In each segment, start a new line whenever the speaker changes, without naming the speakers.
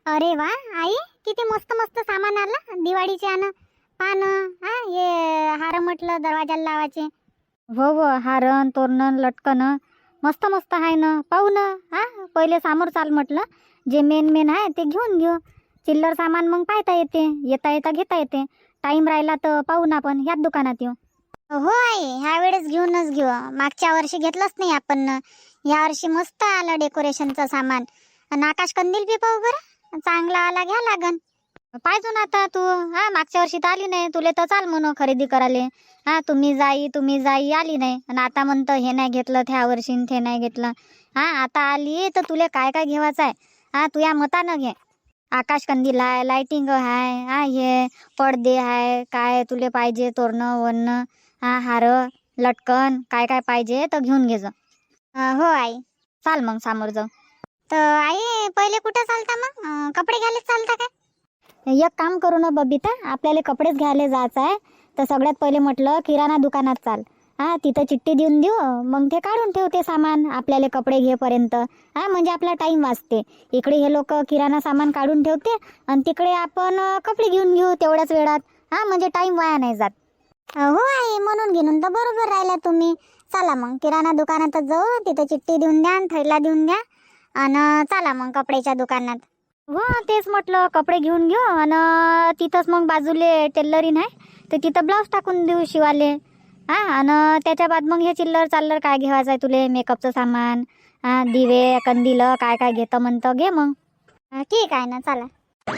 अरे वा आई, किती मस्त मस्त सामान आलं दिवाळीचे. आण पान, हा हे हार म्हटलं दरवाजाला लावायचे. हो हो, हारण तोरण लटकन मस्त मस्त आहे ना. पाहू ना. हा पहिले समोर चाल म्हटलं, जे मेन मेन आहे ते घेऊन घेऊ. चिल्लर सामान मग पाहता येते, येता येता घेता येते. टाइम राहिला तर पाहू ना, आपण ह्याच दुकानात येऊ. हो आई, ह्या वेळेस घेऊनच घेऊ. मागच्या वर्षी घेतलंच नाही आपण. या वर्षी मस्त आलं डेकोरेशनचं सामान. आणि आकाश कंदील बी पाहू बरं, चांगला आला घ्या लागन. पाहिजे ना आता तू. हा मागच्या वर्षी तर आली नाही, तुले तर चाल म्हणून खरेदी करायला. हा तुम्ही जाई आली नाही, आणि आता म्हणतं हे नाही घेतलं त्या वर्षी, ते नाही घेतलं. हा आता आली तर तुले काय काय घेवायचं आहे, हा तू या मतानं घे. आकाश कंदील आहे, लाइटिंग आहे, हा हे पडदे आहे, काय तुले पाहिजे तोरणं वरणं, हा हार लटकन काय काय पाहिजे तर घेऊन घे जा. हो आई. चाल मग समोर जाऊ. तर आई पहिले कुठे चालता मग, कपडे घ्यायला चालता काय? एक काम करू ना बबिता, आपल्याला कपडेच घ्यायला जायचं आहे तर सगळ्यात पहिले म्हटलं किराणा दुकानात चाल. हा तिथं चिठ्ठी देऊन देऊ, मग ते काढून ठेवते सामान आपल्याला कपडे घेपर्यंत. हा म्हणजे आपला टाइम वाचते. इकडे हे लोक किराणा सामान काढून ठेवते आणि तिकडे आपण कपडे घेऊन घेऊ तेवढ्याच वेळात. हा म्हणजे टाइम वाया नाही जात. हो आई, म्हणून घेऊन तर बरोबर राहिला तुम्ही. चला मग किराणा दुकानातच जाऊ, तिथं चिठ्ठी देऊन द्या, थैला देऊन द्या, आणि चला मग कपड्याच्या दुकानात. हो तेच म्हटलं, कपडे घेऊन घेऊ आणि तिथंच मग बाजूले टेलरीन आहे तर तिथं ब्लाऊज टाकून देऊ शिवाले. हा आणि त्याच्या बाद मग हे चिल्लर चाललर काय घ्यायचं आहे तुले, मेकअपचं सामान, हा दिवे कंदील काय काय घेतं म्हणतं घे मग. ठीक आहे ना, चला.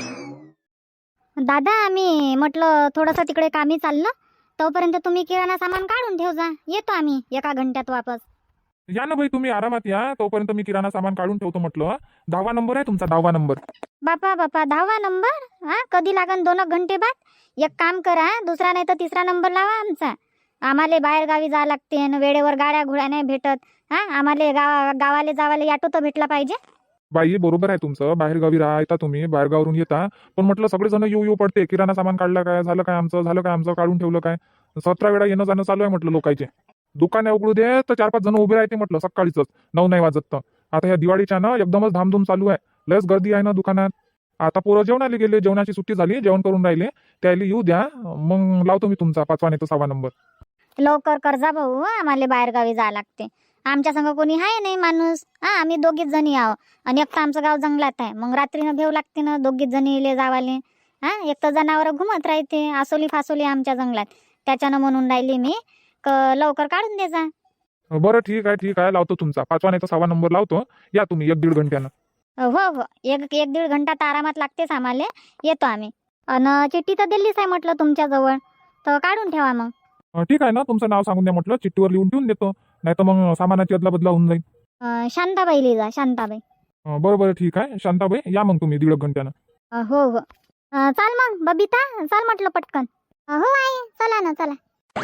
दादा आम्ही म्हटलं थोडंसं तिकडे कामी चाललं, तोपर्यंत तुम्ही किराणा सामान काढून ठेव जा, येतो आम्ही 1 घंट्यात वापस.
या ना भाई, तुम्ही आरामात या, तोपर्यंत मी किराणा सामान काढून ठेवतो म्हटलं. 10वा नंबर आहे तुमचा, 10वा नंबर.
बापा बापा, 10वा नंबर? हा कधी लागन 2 घंटे बाद. एक काम करा, दुसरा नाही तर तिसरा नंबर लावा आमचा. आम्हाला बाहेर गावी जावं लागते आणि वेळेवर गाड्या घोड्या नाही भेटत. हा आम्हाला गावाला जावाले ऑटो तर भेटला पाहिजे.
बाई बरोबर आहे तुमचं, बाहेरगावी राहता तुम्ही, बाहेरगावरून येता, पण म्हटलं सगळेजण येऊ येऊ पडते. किराणा सामान काढलं काय, झालं काय आमचं, झालं काय आमचं, काढून ठेवलं काय. 17 वेळा येणं जाणं चालू आहे म्हटलं लोकांचे. दुकाने उघडू दे तर 4-5 जण उभे राहते म्हटलं सकाळीच, 9 नाही वाजत तर. आता ह्या दिवाळीच्या ना एकदमच धामधूम चालू आहे, लयच गर्दी आहे ना दुकानात. आता पोरं जेवणाला गेले, जेवणाची सुट्टी झाली, जेवण करून राहिले, त्याला येऊ द्या, मग लावतो मी तुमचा 5वा नाही तर 6वा नंबर.
लवकर कर जा भाऊ, आम्हाला बाहेर गावी जावं लागते. आमच्या संग कोणी आहे नाही माणूस. हा आम्ही दोघीच जणी आहो, आणि एक तर आमचं गाव जंगलात आहे, मग रात्रीनं घेऊ लागते ना दोघीच जणी इले जावाले. हा एक तर जनावर घुमत राहते, आसोली फासोली आमच्या जंगलात. त्याच्यानं म्हणून राहिली मी लवकर काढून दे जा.
बरं ठीक आहे ठीक आहे, लावतो तुमचा 5वा नाही तर 6वा नंबर लावतो. या तुम्ही 1-1.5 घंट्यानं.
हो हो, एक दीड घंटा तर आरामात लागतेच आम्हाला. येतो आम्ही. आणि चिठ्ठी तर दिल्लीच आहे म्हटलं तुमच्या जवळ, तर काढून ठेवा मग.
ठीक आहे ना, तुमचं नाव सांगून द्या म्हटलं, चिठ्ठीवर लिहून ठेवून देतो, नाही तर मग सामानाची अदला बदला होऊन जाईल.
शांताबाई लिहा, शांताबाई.
बरं बरं ठीक आहे शांताबाई, या मग तुम्ही 1.5 घंट्यानं.
हो हो. चाल मग बबिता, चाल म्हटलं पटकन. हो आई, चला ना चला.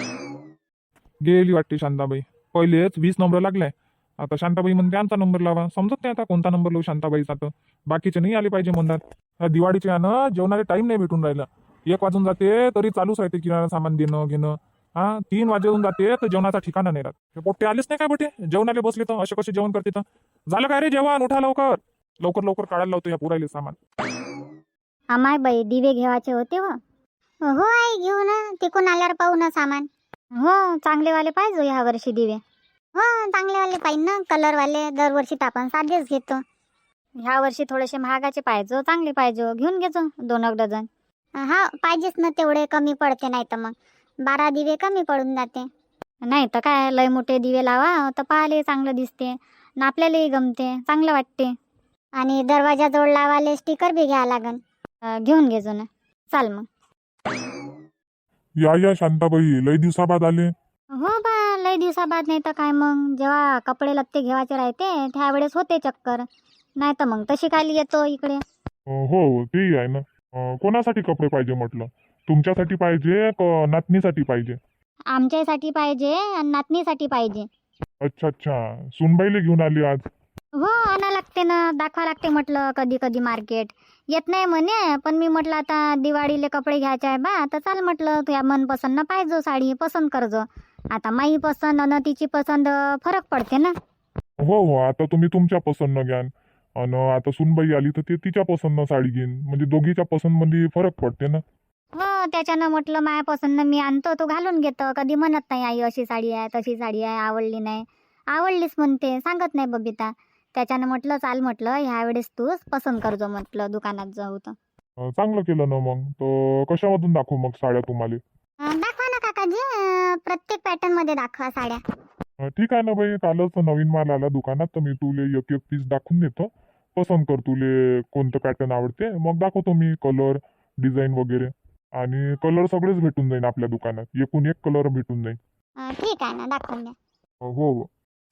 गेली वाटते शांताबाई. पहिलेच 20 नंबर लागलाय, आता शांताबाई म्हणते आमचा नंबर लावा. समजत नाही आता कोणता नंबर लावू शांताबाईचा. तर बाकीचे नाही आले पाहिजे म्हणतात. दिवाळीचे यानं जेवणाला टाइम नाही भेटून राहिला. 1 वाजून जाते तरी चालूच राहते किराणा सामान देणं घेणं. 3 वाजून जाते तर जेवणाचा ठिकाणा नाही राहत. हे पोट्टे आलेच नाही काय बेटे, जेवणाला बसले तर असे कसे जेवण करते तर. झालं काय रे जेवण, उठा लवकर. लवकर लवकर काढायला लावतो या पुरायले सामान.
आमाय बाई दिवे घेवायचे होते. हो आई, घेऊ ना, तिकून आल्यावर पाहू ना सामान. हो चांगलेवाले पाहिजे ह्या वर्षी दिवे. हो चांगलेवाले पाहिजे ना, कलरवाले. दरवर्षी तर आपण साधेच घेतो. ह्या वर्षी थोडेसे महागाचे पाहिजे, चांगले पाहिजे, घेऊन घेतो 2 डझन. हा पाहिजेच ना, तेवढे कमी पडते, नाही तर मग 12 दिवे कमी पडून जाते. नाही तर काय, लय मोठे दिवे लावा तर पाहायला चांगलं दिसते आणि आपल्यालाही गमते, चांगलं वाटते. आणि दरवाजाजवळ लावाले स्टिकर बी घ्यावं लागन. घेऊन घेजो ना, चाल मग.
या या शांताबाई, लय दिवसाबाद आले.
हो बा, लय दिवसाबाद. नाही तर काय, मग जेव्हा कपडे लत्ते घेवायचे राहते त्यावेळेस होते चक्कर, नाही तर मग तशी काय येतो इकडे.
हो ते आहे ना. कोणासाठी कपडे पाहिजे म्हटलं, तुमच्यासाठी पाहिजे का नातनीसाठी पाहिजे?
आमच्यासाठी पाहिजे आणि नातनीसाठी पाहिजे.
अच्छा अच्छा, सुनबाईले घेऊन आली आज.
हो आणा लागते ना, दाखवा लागते म्हटलं कधी कधी मार्केट. येत नाही म्हणे, पण मी म्हटलं आता दिवाळीले कपडे घ्यायचे आहे बा, तर चाल म्हटलं तुझ्या मनपसंत ना पाहिजो साडी पसंत करजो. आता माही पसंत आणि तिची पसंत फरक पडते ना.
हो हो, आता तुम्ही तुमच्या पसंत घ्यान. आणि आता सुनबाई आली तर ते तिच्या पसंतनं साडी घेईन, म्हणजे दोघीच्या पसंतमध्ये फरक पडते ना.
हो त्याच्यानं म्हटलं मायापासून मी आणतो तो घालून घेतो. कधी म्हणत नाही आई अशी साडी आहे तशी साडी आहे, आवडली नाही. आवडलीच म्हणते, सांगत नाही बबिता. त्याच्यानं म्हटलं चाल, म्हटलं ह्या वेळेस तूच पसंत करजो, म्हटलं दुकानात जाऊ तर.
चांगलं केलं ना मग. तर कशामधून दाखवू मग साड्या तुम्हाला?
दाखवा ना काकाजी, प्रत्येक पॅटर्न मध्ये दाखवा साड्या.
ठीक आहे ना बाई, कालच नवीन माल आला दुकानात, तर मी तुले एक एक पीस दाखवून देतो. पसंत कर तुले कोणतं पॅटर्न आवडते, मग दाखवतो मी कलर, डिझाईन वगैरे. आणि कलर सगळेच भेटून जाईल आपल्या दुकानात, एकूण एक कलर भेटून जाईल.
ठीक आहे ना, दाखवून द्या.
हो हो.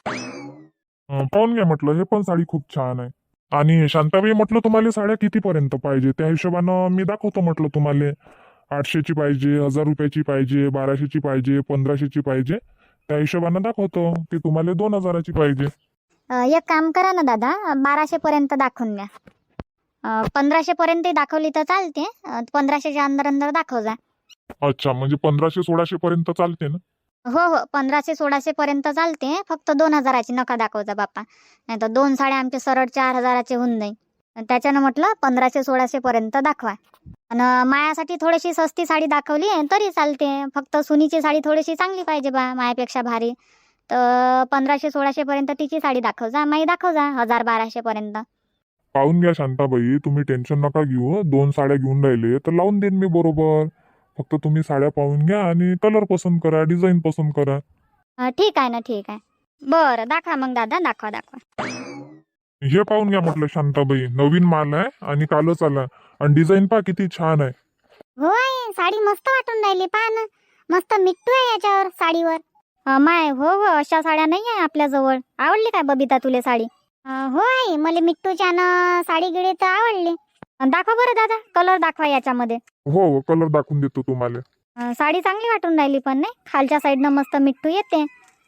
पाहून घ्या म्हटलं, हे पण साडी खूप छान आहे. आणि शांताबाई म्हटलं तुम्हाला साड्या कितीपर्यंत पाहिजे त्या हिशोबानं मी दाखवतो म्हटलं तुम्हाला. 800ची पाहिजे, 1000 रुपयाची पाहिजे, 1200ची पाहिजे, 1500ची पाहिजे, त्या हिशोबानं दाखवतो. की तुम्हाला 2000ची पाहिजे.
एक काम करा ना दादा, 1200 पर्यंत दाखवून द्या. 1500 पर्यंत दाखवली तर चालते. 1500च्या अंदर अंदर दाखव जा.
अच्छा, म्हणजे 1500-1600 पर्यंत चालते ना?
हो हो, 1500-1600 पर्यंत चालते. फक्त 2000ची नका दाखवता बाप्पा, नाही तर 2 साड्या आमचे सरळ 4000चे होऊन जाईल. त्याच्यानं म्हटलं 1500-1600 पर्यंत दाखवा. आणि मायासाठी थोडीशी सस्ती साडी दाखवली तरी चालते. फक्त सुनीची साडी थोडीशी चांगली पाहिजे बा, मायापेक्षा भारी. तर 1500-1600 पर्यंत तिची साडी दाखव जा, माई दाखव जा 1000-1200 पर्यंत.
पाहून घ्या शांताबाई, तुम्ही टेन्शन नका घेऊ. 2 साड्या घेऊन राहिले तर लावून देईन मी बरोबर. फक्त तुम्ही साड्या पाहून घ्या आणि कलर पसंत करा, डिझाईन पसंत करा.
ठीक आहे ना, ठीक आहे. बरं दाखवा मग दादा, दाखवा दाखवा.
हे पाहून घ्या म्हटलं शांताबाई, नवीन माल आहे आणि कालच आला. आणि डिझाईन पहा किती छान आहे.
हो आई, साडी मस्त वाटून राहिली, पहा ना. मस्त मिट्टू आहे याच्यावर साडीवर. माय हो हो, अशा साड्या नाही आहे आपल्याजवळ. आवडली काय बबिता तुले साडी? हो आई, मला मिट्टूच्या ना साडी गिडी तर आवडली. दाखवा बरं दादा, कलर दाखवा याच्यामध्ये.
हो हो, कलर दाखवून देतो तुम्हाला.
साडी चांगली वाटून राहिली पण नाही, खालच्या साईडनं मस्त मिट्टू येते.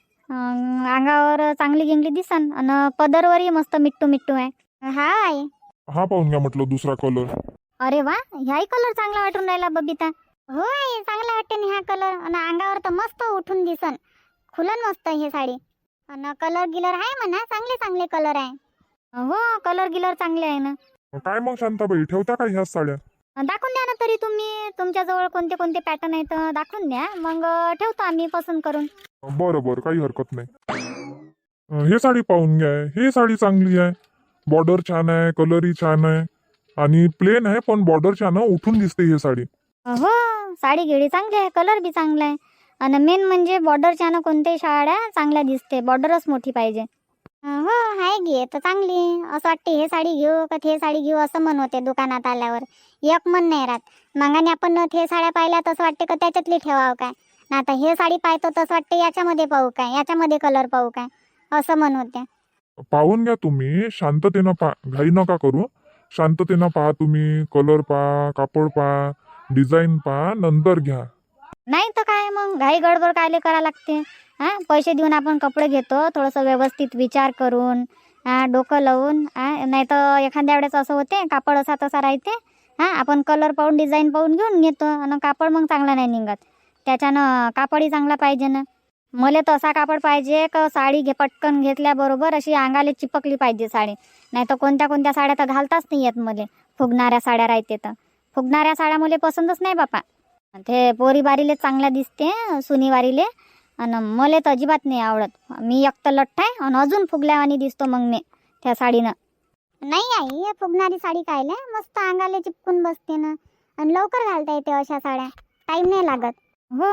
अंगावर चांगली गिंगली दिसन आणि पदरवरही मस्त मिट्टू मिट्टू आहे. हा आई.
हा पाहून घ्या म्हटलं दुसरा कलर.
अरे वा, ह्याही कलर चांगला वाटून राहिला बबिता. हो आई, चांगला वाटते ना हा कलर. आणि अंगावर तर मस्त उठून दिसन, खुलन मस्त हे साडी. आणि कलर गिलर आहे म्हणा, चांगले चांगले कलर आहे. हो, कलर गिलर चांगले आहे ना.
काय मग शांताबाई, ठेवता का ह्या साड्या?
दाखवून द्या ना तरी तुम्ही, तुमच्याजवळ कोणते कोणते पॅटर्न आहेत दाखवून द्या, मग ठेवतो आम्ही पसंत करून.
बरं बरं, काही हरकत नाही. हे साडी पाहून घ्या, हे साडी चांगली आहे. बॉर्डर छान आहे, कलरही छान आहे. आणि प्लेन आहे पण बॉर्डर छान आहे, उठून दिसते ही साडी.
हो, साडी गिडी चांगली आहे, कलर बी चांगला आहे. आणि मेन म्हणजे बॉर्डरच्या ना कोणत्याही साड्या चांगल्या दिसते, बॉर्डरच मोठी पाहिजे. हो आहे, घे तर चांगली. असं वाटते हे साडी घेऊ का ते साडी घेऊ असं मन होते दुकानात आल्यावर. एक मन नाही राहत. मागाने आपण ते साड्या पाहिल्या तसं वाटते का त्याच्यातली ठेवावं काय, ना आता हे साडी पाहतो तसं वाटते याच्यामध्ये पाहू काय, याच्यामध्ये कलर पाहू काय, असं मन होते.
पाहून घ्या तुम्ही, शांततेनं पहा, घाई नका करू. शांततेनं पहा तुम्ही, कलर पहा, कापड पहा, डिझाईन पहा, नंतर घ्या.
नाही तर काय मग, घाई गडबड कायले करा लागते. पैसे देऊन आपण कपडे घेतो थोडंसं व्यवस्थित विचार करून, डोकं लावून. नाही तर एखाद्या वेळेस असं होते कापड असा तसा राहते. आपण कलर पाहून डिझाईन पाहून घेऊन घेतो आणि कापड मग चांगला नाही निघत. त्याच्यानं कापडही चांगला पाहिजे ना. मला तर असा कापड पाहिजे का साडी पटकन घेतल्याबरोबर अशी अंगाला चिपकली पाहिजे साडी. नाही तर कोणत्या कोणत्या साड्या तर घालताच नाही येत मला. फुगणाऱ्या साड्या राहते तर फुगणाऱ्या साड्या मला पसंतच नाही बापा. ते पोरीबारीले चांगल्या दिसते, सुनीवारीले. आणि मला तर अजिबात नाही आवडत. मी एक तर लठ्ठ आहे आणि अजून फुगल्यावानी दिसतो मग मी त्या साडीनं. नाही आई, फुगणारी साडी कायले, मस्त अंगाला चिपकून बसते ना. आणि लवकर घालता येते अशा साड्या, टाइम नाही लागत. हो.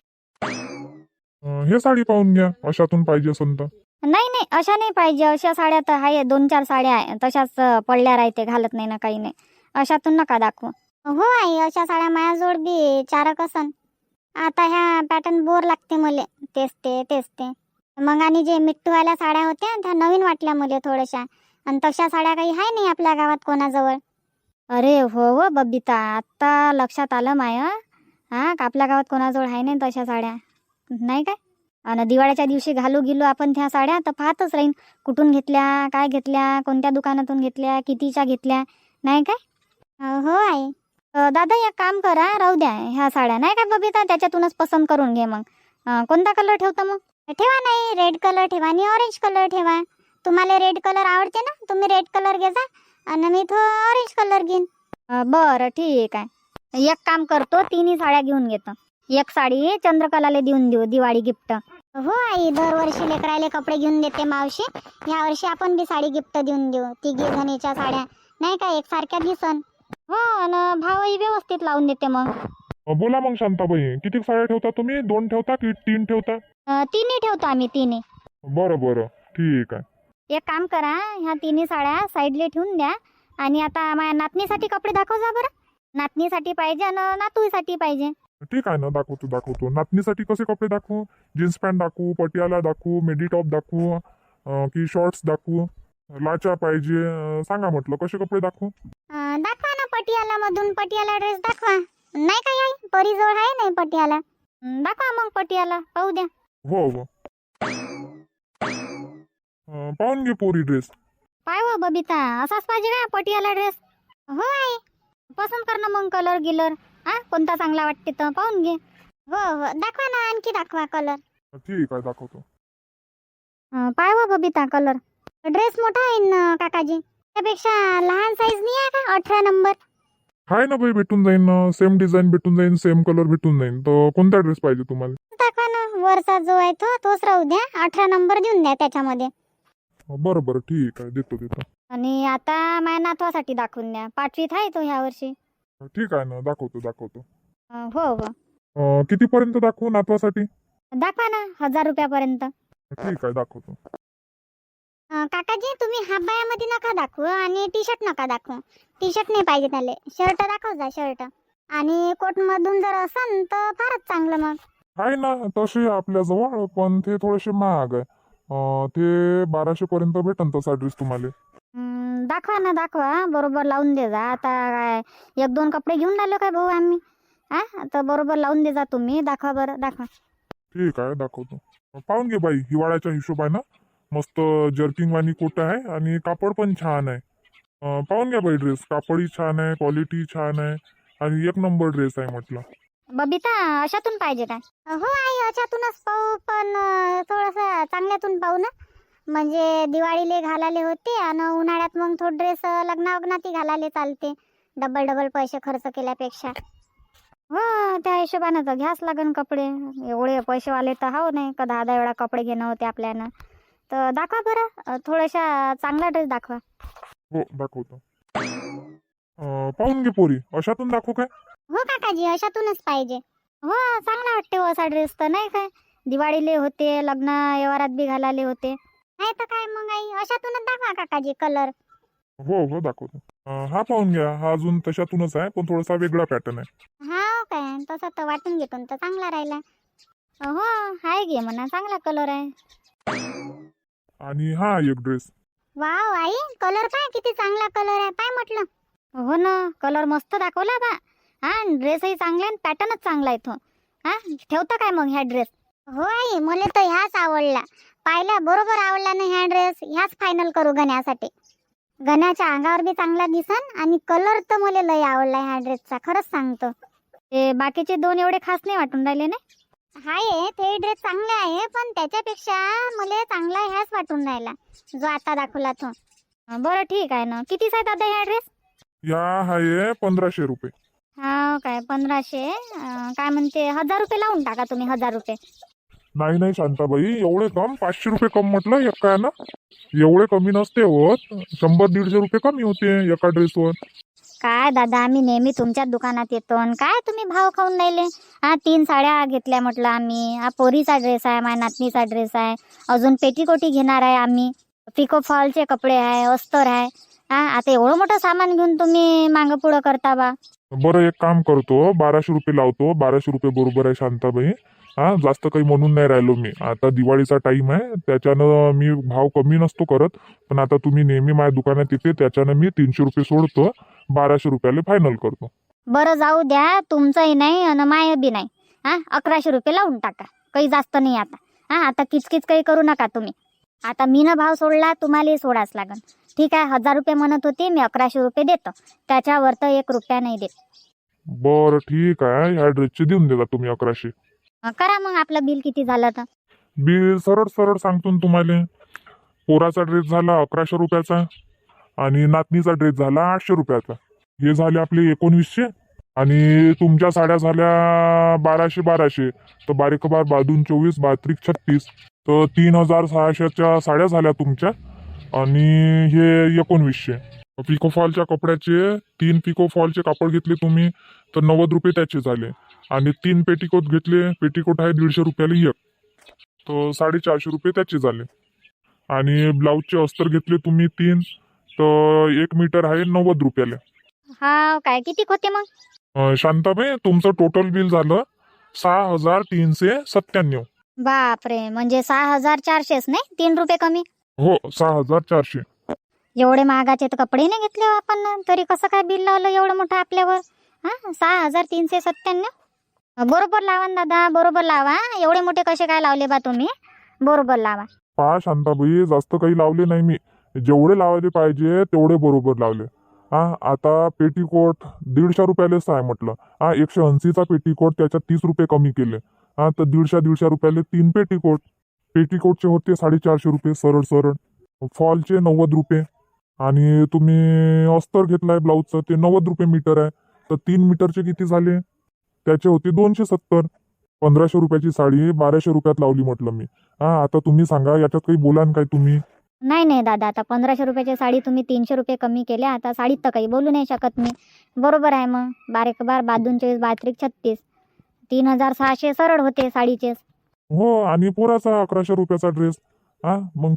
हे साडी पाहून घ्या, अशातून पाहिजे असेल तर.
नाही नाही, अशा नाही पाहिजे. अशा साड्या तर आहे, 2-4 साड्या आहे तशाच पडल्या राहते, घालत नाही ना काही नाही. अशातून नका दाखवू. हो आई, अशा साड्या माझ्याजवळ बी 4 असन. आता ह्या पॅटर्न बोर लागते मला, तेच ते. मग आणि जे मिट्टूवाल्या साड्या होत्या त्या नवीन वाटल्या मला थोड्याशा. आणि तशा साड्या काही आहे नाही आपल्या गावात कोणाजवळ. अरे हो हो बबिता, आत्ता लक्षात आलं माया. आपल्या गावात कोणाजवळ आहे नाही तशा साड्या, नाही काय. आणि दिवाळीच्या दिवशी घालू गेलो आपण त्या साड्या तर पाहतच राहीन कुठून घेतल्या, काय घेतल्या, कोणत्या दुकानातून घेतल्या, कितीच्या घेतल्या, नाही काय. हो आई. दादा एक काम करा, राहू द्या ह्या साड्या, नाही काय बबिता, त्याच्यातूनच पसंत करून घे मग. कोणता कलर ठेवता मग? ठेवा नाही, रेड कलर ठेवा आणि ऑरेंज कलर ठेवा. तुम्हाला रेड कलर आवडते ना, तुम्ही रेड कलर घेजा आणि मी तो ऑरेंज कलर घेईन. बरं ठीक आहे. एक काम करतो, तिन्ही साड्या घेऊन घेतो. एक साडी चंद्रकलाला देऊन देऊ दिवाळी गिफ्ट. हो आई, दरवर्षी लेकरायले कपडे घेऊन देते मावशी. या वर्षी आपण बी साडी गिफ्ट देऊन देऊ. तिघी जणीच्या साड्या नाही का एकसारख्या दिसन. हो, आणि भावही व्यवस्थित लावून देते मग.
बोला मग शांताबाई, किती साड्या ठेवता तुम्ही? 2 ठेवता की 3 ठेवता?
तिन्ही ठेवतो आम्ही, तिन्ही.
बरं बरं ठीक आहे.
एक काम करा, ह्या तिन्ही साड्या साईडले ठेवून द्या. आणि आता माझ्या नातनीसाठी कपडे दाखव जा बरं. नातनीसाठी पाहिजे आणि नातूसाठी पाहिजे.
ठीक आहे ना, दाखवतो. नातनीसाठी कसे कपडे दाखवू? जीन्स पॅन्ट दाखवू, पटियाला दाखवू, मेडी टॉप दाखवू, की शॉर्ट्स दाखवू, लाचा पाहिजे? सांगा म्हटलं कसे कपडे दाखवू?
दाखवा ना पटियाला मधून, पटियाला ड्रेस दाखवा. नाही काय आई, परीजवळ आहे नाही पटियाला. दाखवा मग पटियाला, पाहू द्या.
हो हो. पाहून घे पोरी ड्रेस.
पाय हो बबिता, असाच पाहिजे का पटियाला ड्रेस? हो आई, पसंत कर ना मग कलर गिलर. कोणता चांगला वाटते तर पाहून घे. हो हो, दाखवा ना, आणखी दाखवा कलर.
ठीक आहे, दाखवतो.
पाय हो बबिता कलर. ड्रेस मोठा आहे ना काकाजी, त्यापेक्षा लहान साईज नाही आहे का 18 नंबर?
हाय ना बाई, भेटून जाईन ना. सेम डिझाईन भेटून जाईन, सेम कलर भेटून जाईन. तर कोणता ड्रेस पाहिजे तुम्हाला?
दाखवा ना, वरचा जो आहे तोच राहू द्या. 18 नंबर देऊन द्या त्याच्यामध्ये.
बरं बरं ठीक आहे, देतो.
आणि आता माझ्या नातवासाठी दाखवून द्या. 5वीत आहे तो ह्या वर्षी.
ठीक आहे ना, दाखवतो.
हो हो,
कितीपर्यंत दाखवू नातवासाठी?
दाखवा ना 1000 रुपयापर्यंत.
ठीक आहे, दाखवतो.
काकाजी, तुम्ही हाफ बायामध्ये नका दाखवू आणि टी शर्ट नका दाखवू. टी शर्ट नाही पाहिजे त्याले, शर्ट दाखव जा, शर्ट. आणि कोट मधून जर असन तर फारच चांगलं मग.
आहे ना तसे आपल्याजवळ, पण ते थोडेसे महाग आहे. ते 1200 पर्यंत भेटन तसा ड्रेस तुम्हाला.
दाखवा ना, दाखवा. बरोबर लावून दे जा. आता काय 1-2 कपडे घेऊन आलो काय भाऊ आम्ही? तर बरोबर लावून दे जा तुम्ही. दाखवा बरं, दाखवा.
ठीक आहे, दाखवतो. पाहून घे बाई, हिवाळ्याच्या हिशोबानं मस्त जर्किंग वाणी कोट आहे आणि कापड पण छान आहे. पाहून घ्या बाई ड्रेस, कापडही छान आहे, क्वालिटी छान आहे आणि 1 नंबर ड्रेस आहे म्हटलं.
बबिता, अशातून पाहिजे काय? हो आई, अशातूनच पाहू, पण थोडस चांगल्यातून पाहू ना. म्हणजे दिवाळीले घालाले होते आणि उन्हाळ्यात मग तो ड्रेस लग्नावग्नाती घालाले चालते, डबल पैसे खर्च केल्यापेक्षा. हो, त्या हिशोबानं तर घ्यास लागन कपडे. एवढे पैसेवाले तर हो नाही का 10 वेळा कपडे घेणं होते आपल्यानं. तर दाखवा बरं, थोडासा चांगला ड्रेस दाखवा.
हो, दाखवतो. पाहून घे पोरी, अशातून दाखवू काय?
हो काकाजी, अशातूनच पाहिजे. हो, चांगला वाटते हो असा ड्रेस तर, नाही काय? दिवाळीले होते, लग्न व्यवहारात बी घालाले होते. नाही तर काय मग आई, अशातूनच दाखवा काकाजी कलर.
हो दाखवतो. हा पाहून घ्या, हा अजून तशातूनच आहे, पण थोडासा वेगळा पॅटर्न आहे.
हा काय, तसं तर वाटून घेतो तर चांगला राहिला. हो, हाय घे म्हणा, चांगला कलर आहे.
आणि हा एक ड्रेस.
वाव आई, कलर पाय किती चांगला कलर आहे, पाय म्हटलं. हो ना, कलर मस्त दाखवला बा. ड्रेसही चांगला आहे, पॅटर्नच चांगला आहे तो. ठेवता काय मग ह्या ड्रेस? हो आई, मला तर ह्याच आवडला. पाहिला बरोबर आवडला ना ह्या ड्रेस. ह्याच फायनल करू गण्यासाठी. गण्याच्या अंगावर बी चांगला दिसन आणि कलर तर मला लय आवडला ह्या ड्रेसचा, खरंच सांगतो. ते बाकीचे 2 एवढे खास नाही वाटून राहिले ना. हाय, ते ड्रेस चांगले आहे, पण त्याच्यापेक्षा मला चांगला ह्याच वाटून राहिला जो आता दाखवला तो. बरं ठीक आहे ना. किती आहे दादा ह्या ड्रेस?
या आहे 1500 रुपये.
हा काय, 1500? काय म्हणते, 1000 रुपये लावून टाका तुम्ही, 1000 रुपये.
नाही शांताबाई, एवढे कम? 500 रुपये कम म्हटलं एका ना. एवढे कमी नसते होत, 100-150 रुपये कमी होते एका ड्रेसवर.
काय दादा, आम्ही नेहमी तुमच्याच दुकानात येतो, काय तुम्ही भाव खाऊन राहिले? 3 साड्या घेतल्या म्हटलं आम्ही. हा पोरीचा ड्रेस आहे, माझ्या नातनीचा ड्रेस आहे, अजून पेटीकोटी घेणार आहे आम्ही, पिको फॉलचे कपडे आहे, अस्तर आहे. आता एवढं मोठं सामान घेऊन तुम्ही मागं पुढं करता बा.
बरं, एक काम करतो, 1200 रुपये लावतो. 1200 रुपये बरोबर आहे शांताबाई. जास्त काही म्हणून नाही राहिलो मी. आता दिवाळीचा टाइम आहे, त्याच्यानं मी भाव कमी नसतो करत. पण आता तुम्ही नेहमी माझ्या दुकानात येते, त्याच्यानं मी 300 रुपये सोडतो, 1200 रुपयाला फायनल करतो.
बरं जाऊ द्या, तुमचंही नाही आणि माय बी नाही. 1100 रुपये लावून टाका, काही जास्त नाही आता. आता किचकिच काही करू नका तुम्ही. आता मी न भाव सोडला, तुम्हालाही सोडाच लागन. ठीक आहे, 1000 रुपये म्हणत होते, मी 1100 रुपये देतो, त्याच्यावर तर 1 रुपया नाही देत.
बरं ठीक आहे, ह्या ड्रेसचे देऊन देता तुम्ही 1100.
करा मग आपलं बिल किती झालं तर.
बिल सरळ सांगतो ना तुम्हाला. पोराचा ड्रेस झाला 1100 रुपयाचा आणि नातनीचा ड्रेस झाला 800 रुपयाचा. हे झाले आपले 1900. आणि तुमच्या साड्या झाल्या 1200 तर बारीक बार 22 24 32 36 तर 3600च्या साड्या झाल्या तुमच्या. आणि हे 1900. पिकोफॉलच्या कपड्याचे 3 पिकोफॉलचे कापड घेतले तुम्ही तर 90 रुपये त्याचे झाले. आणि 3 पेटीकोट घेतले, पेटीकोट आहे 150 रुपयाला एक, तर 450 रुपये त्याचे झाले. आणि ब्लाऊजचे अस्तर घेतले तुम्ही 3 तर 1 मीटर आहे 90 रुपयाला.
हा काय किती होते मग?
शांताबाई तुमचं टोटल बिल झालं 6397.
बापरे, म्हणजे 6400 नाही, 3 रुपये कमी.
हो 6400.
एवढे महागाचे तर कपडे नाही घेतले हो आपण, तरी कसं काय बिल लावलं एवढं मोठं आपल्यावर? हा 6397. बरोबर लावा ना दादा, बरोबर लावा. एवढे मोठे कसे काय लावले बा तुम्ही? बरोबर लावा.
पहा शांताबाई, जास्त काही लावले नाही मी, जेवढे लावायला पाहिजे तेवढे बरोबर लावले. आता पेटीकोट 150 रुपयालेच आहे म्हटलं. 180चा पेटीकोट त्याच्यात 30 रुपये कमी केले. तर 150 रुपयाले 3 पेटीकोट. पेटीकोटचे होते 450 रुपये सरळ सरळ. फॉलचे 90 रुपये. आणि तुम्ही अस्तर घेतलाय ब्लाऊजचं ते 90 रुपये मीटर आहे, तर 3 मीटरचे किती झाले? त्याचे होते 270. 1500 रुपयाची साडी 1200 रुपयात लावली म्हटलं मी. आता तुम्ही सांगा, याच्यात काही बोलान काय तुम्ही?
नाही नाही दादा, आता 1500 रुपयाची साडी तुम्ही 300 रुपये कमी केल्या, आता साडीत तर काही बोलू नाही शकत मी. बरोबर आहे मग. बारीक बार 22 32 36 3600 सरळ होते साडीचे.
हो, आणि पोराचा 1100 रुपयाचा ड्रेस. मग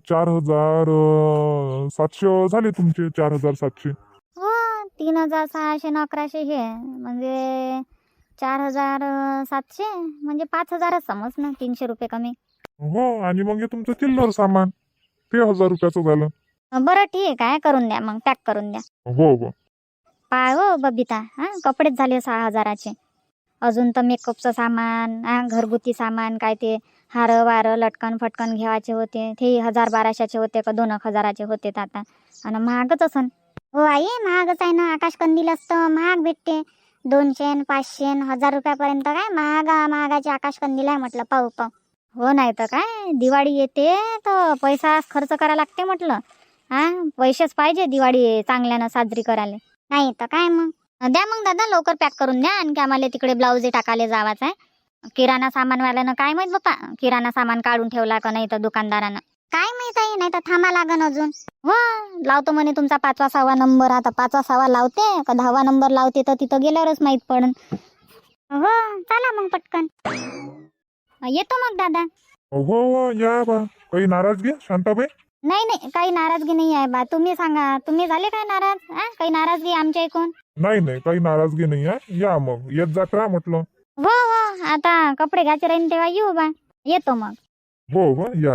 4700 झाले तुमचे. 4700.
हो 3600 न 1100 हे म्हणजे 4700, म्हणजे 5000च समज ना, 300 रुपये कमी.
हो, आणि मग हे तुमचं चिल्लर सामान ते 1000 रुपयाचं झालं.
बरं ठीक आहे, करून द्या मग, पॅक करून द्या.
हो हो.
पाय हो बबिता, कपडेच झाले 6000चे. अजून तर मेकअपचं सामान, घरगुती सामान, काय ते हार वार लटकन फटकन घेवायचे होते, ते 1000-1200चे होते का 2-1000चे होते आता. आणि महागच असन. हो आई, महागच आहे ना. आकाश कंदील असतं महाग भेटते, 200 500 1000 रुपयापर्यंत. काय महागाचे आकाश कंदील आहे म्हटलं. पाहू. हो नाही तर काय, दिवाळी येते तर पैसा खर्च करा लागते म्हटलं. पैसेच पाहिजे दिवाळी चांगल्यानं साजरी करायला. नाही तर काय मग. द्या मग दादा, लवकर पॅक करून द्या. आणखी आम्हाला तिकडे ब्लाऊज टाकायला जावाच आहे. किराणा सामानवाल्यानं काय माहित बाप्पा, किराणा सामान काढून ठेवला का नाही तर दुकानदारानं काय माहित आहे. नाही तर थांबा लागन अजून. हो लावतो म्हणे तुमचा 5वा 6वा नंबर. आता 5वा 6वा लावते का 10वा नंबर लावते तर तिथं गेल्यावरच माहित पडन. हो चला मग पटकन येतो मग दादा.
हो या बा. काही नाराजगी शांताबाई?
नाही नाही, काही नाराजगी नाही आहे बा. तुम्ही सांगा, तुम्ही झाले काय नाराज? काही नाराजगी आमच्या ऐकून?
नाही, काही नाराजगी नाही आहे. या मग, येत जात राहा म्हटलं.
हो आता कपडे घ्यायचे राहीन तेव्हा येऊ बा. येतो मग.
हो या.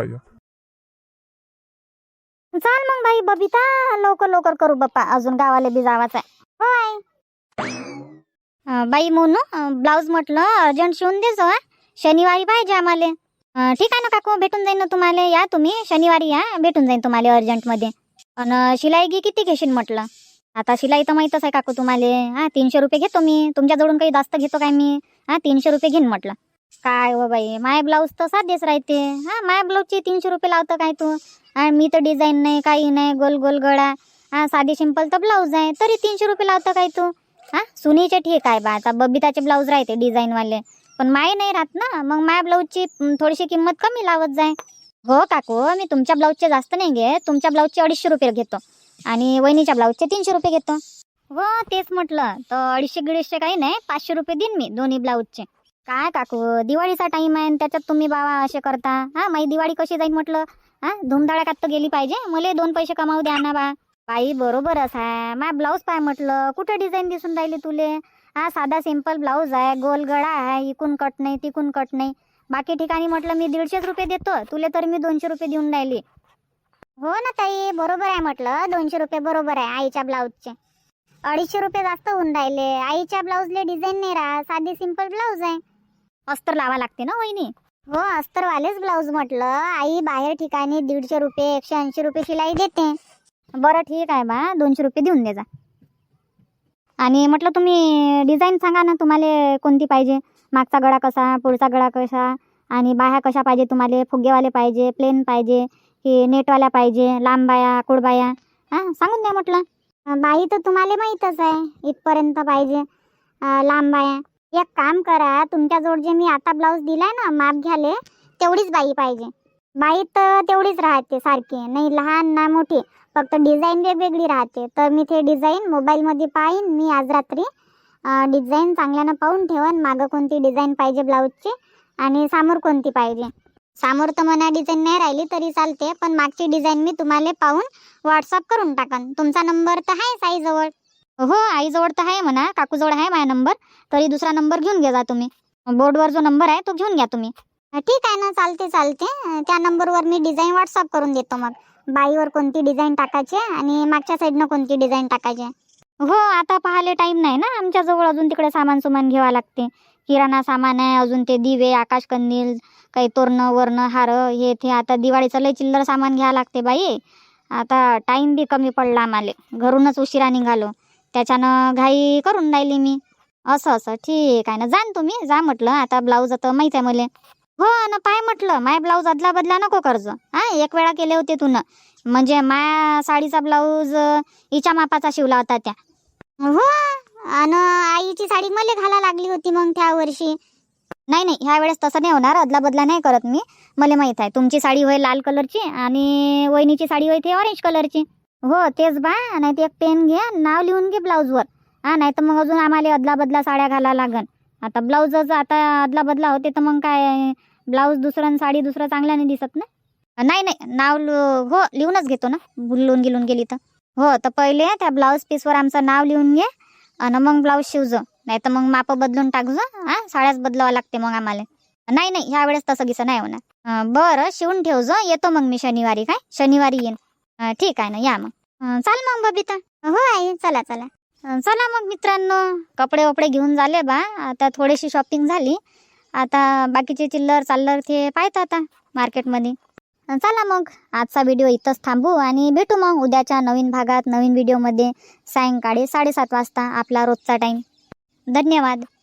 चाल मग बाई बबिता, लवकर करू बाप्पा, अजून गावाला बी जावाच आहे. हो आई. बाई मोनू, ब्लाऊज म्हटलं अर्जंट शिवून देजो. शनिवारी पाहिजे आम्हाला. ठीक आहे ना काकू, भेटून जाईन ना तुम्हाला. या तुम्ही शनिवारी या, भेटून जाईन तुम्हाला अर्जंटमध्ये. आणि शिलाई किती घेशील म्हटलं? आता शिलाई तर माहीतच आहे काकू तुम्हाला. 300 रुपये घेतो मी. तुमच्याजवळून काही जास्त घेतो काय मी? 300 रुपये घेईन म्हटलं. काय हो बाई, माय ब्लाऊज तर साधेच राहते. माय ब्लाऊजचे 300 रुपये लावतं काय तू? मी तर डिझाईन नाही, काही नाही, गोल गोल गळा, साधी सिंपल तर ब्लाऊज आहे, तरी 300 रुपये लावतं काय तू? सुनीचे ठीक आहे बा, आता बबिताचे ब्लाऊज राहते डिझाईनवाले, पण माय नाही राहत ना. मग माय ब्लाऊजची थोडीशी किंमत कमी लावत जाय. हो काकू, मी तुमच्या ब्लाऊजचे जास्त नाही घेत. तुमच्या ब्लाऊजचे 250 रुपये घेतो आणि वहिनीच्या ब्लाऊजचे 300 रुपये घेतो. हो तेच म्हटलं, तर 250 काही नाही, 500 रुपये देईन मी दोन्ही ब्लाऊजचे. काय काकू, दिवाळीचा टाइम आहे त्याच्यात तुम्ही बाबा असे करता. माझी दिवाळी कशी जाईल म्हटलं? धुमधडाक्यात तर गेली पाहिजे. मला 2 पैसे कमावू द्या ना बा. बाई बरोबरच आहे. मा ब्लाऊज पाय म्हटलं, कुठं डिझाईन दिसून राहिली तुले? साधा सिंपल ब्लाऊज आहे, गोल गळा आहे, इकून कट नाही तिकून कट नाही. बाकी ठिकाणी म्हटलं मी 150 रुपये देतो तुले, तर मी 200 रुपये देऊन राहिली. हो ना ताई, बरोबर आहे म्हटलं. 200 रुपये बरोबर आहे. आईच्या ब्लाऊजचे 250 रुपये जास्त होऊन राहिले. आईच्या ब्लाऊजले डिझाईन नाही राहत, साधी सिंपल ब्लाऊज आहे. अस्तर लावा लागते ना वहिनी? हो अस्तरवालेच ब्लाऊज म्हटलं. आई बाहेर ठिकाणी 150 रुपये 180 रुपये शिलाई देते. बरं ठीक आहे बा, 200 रुपये देऊन दे जा. आणि म्हटलं तुम्ही डिझाईन सांगा ना, तुम्हाला कोणती पाहिजे? मागचा गळा कसा, पुढचा गळा कसा, आणि बाह्या कशा पाहिजे तुम्हाला? फुगेवाले पाहिजे, प्लेन पाहिजे की नेटवाल्या पाहिजे, लांब बाया, कुडबाया, हां सांगून द्या म्हटलं. बाई तर तुम्हाला माहीतच आहे इथपर्यंत पाहिजे. लांब बाया एक काम करा, तुमच्याजवळ जे मी आता ब्लाऊज दिलाय ना माप घ्याले, तेवढीच बाई पाहिजे. बाई तर तेवढीच राहते सारखी, नाही लहान ना मोठी, फक्त डिझाईन वेगवेगळी राहते. तर मी ते डिझाईन मोबाईलमध्ये पाहीन मी आज रात्री. डिझाईन चांगल्यानं पाहून ठेवन, मागं कोणती डिझाईन पाहिजे ब्लाऊजची आणि समोर कोणती पाहिजे. समोर तर म्हणा डिझाईन नाही राहिली तरी चालते, पण मागची डिझाईन मी तुम्हाला पाहून व्हॉट्सअप करून टाकन. तुमचा नंबर तर आहेच आईजवळ. हो आईजवळ तर आहे म्हणा, काकूजवळ आहे माझा नंबर. तरी दुसरा नंबर घेऊन घ्या तुम्ही. बोर्डवर जो नंबर आहे तो घेऊन घ्या तुम्ही. ठीक आहे ना, चालते चालते. त्या नंबरवर मी डिझाईन व्हॉट्सअप करून देतो. मग बाईवर कोणती डिझाईन टाकायची आणि मागच्या साईडनं कोणती डिझाईन टाकायची. हो आता पाहायला टाईम नाही ना आमच्याजवळ, अजून तिकडे सामान घ्यावा लागते. किराणा सामान आहे, अजून ते दिवे, आकाशकंदील, काही तोरणं वरणं हार हे ते. आता दिवाळीचं लय चिल्लर सामान घ्यावं लागते बाई. आता टाईम बी कमी पडला आम्हाला, घरूनच उशिरा निघालो, त्याच्यानं घाई करून राहिली मी. असं ठीक आहे ना, जा तुम्ही जा म्हटलं. आता ब्लाऊज आता माहीत आहे मला. हो ना, पाय म्हटलं माय ब्लाऊज अदला बदला नको कर्ज. एक वेळा केले होते तू, म्हणजे माया साडीचा ब्लाऊज हिच्या मापाचा शिवला होता त्या. हो आणि आईची साडी मला घाला लागली होती मग त्या वर्षी. नाही ह्या वेळेस तसं नाही होणार, अदला बदला नाही करत मी. मला माहित आहे तुमची साडी होय लाल कलरची आणि वहिनीची साडी होय ते ऑरेंज कलरची. हो तेच बा, नाही ते एक पेन घे, नाव लिहून घे ब्लाऊजवर. नाही तर मग अजून आम्हाला अदला बदला साड्या घाला लागन. आता ब्लाऊजच आता अदला बदला होते तर मग काय, ब्लाऊज दुसरं आणि साडी दुसरं चांगल्याने दिसत ना. नाही नाव हो लिहूनच घेतो ना, भुलून गेलून गेली तर. हो तर पहिले त्या ब्लाऊज पीसवर आमचं नाव लिहून घे आणि मग ब्लाऊज शिवजो, नाही तर मग माप बदलून टाकजो. साड्याच बदलावं लागते मग आम्हाला. नाही ह्या वेळेस तसं गिसं नाही होणार. बरं शिवून ठेवजो, येतो मग मी शनिवारी. काय शनिवारी येईन. ठीक आहे ना, या मग. चाल मग बबिता. हो आई चला. चला मग मित्रांनो, कपडे वपडे घेऊन झाले बा. आता थोडीशी शॉपिंग झाली, आता बाकीचे चिल्लर चाललर ते पाहत आता मार्केटमध्ये. चला मग आजचा व्हिडिओ इथंच थांबू आणि भेटू मग उद्याच्या नवीन भागात नवीन व्हिडिओमध्ये सायंकाळी 7:30 वाजता आपला रोजचा टाईम. धन्यवाद.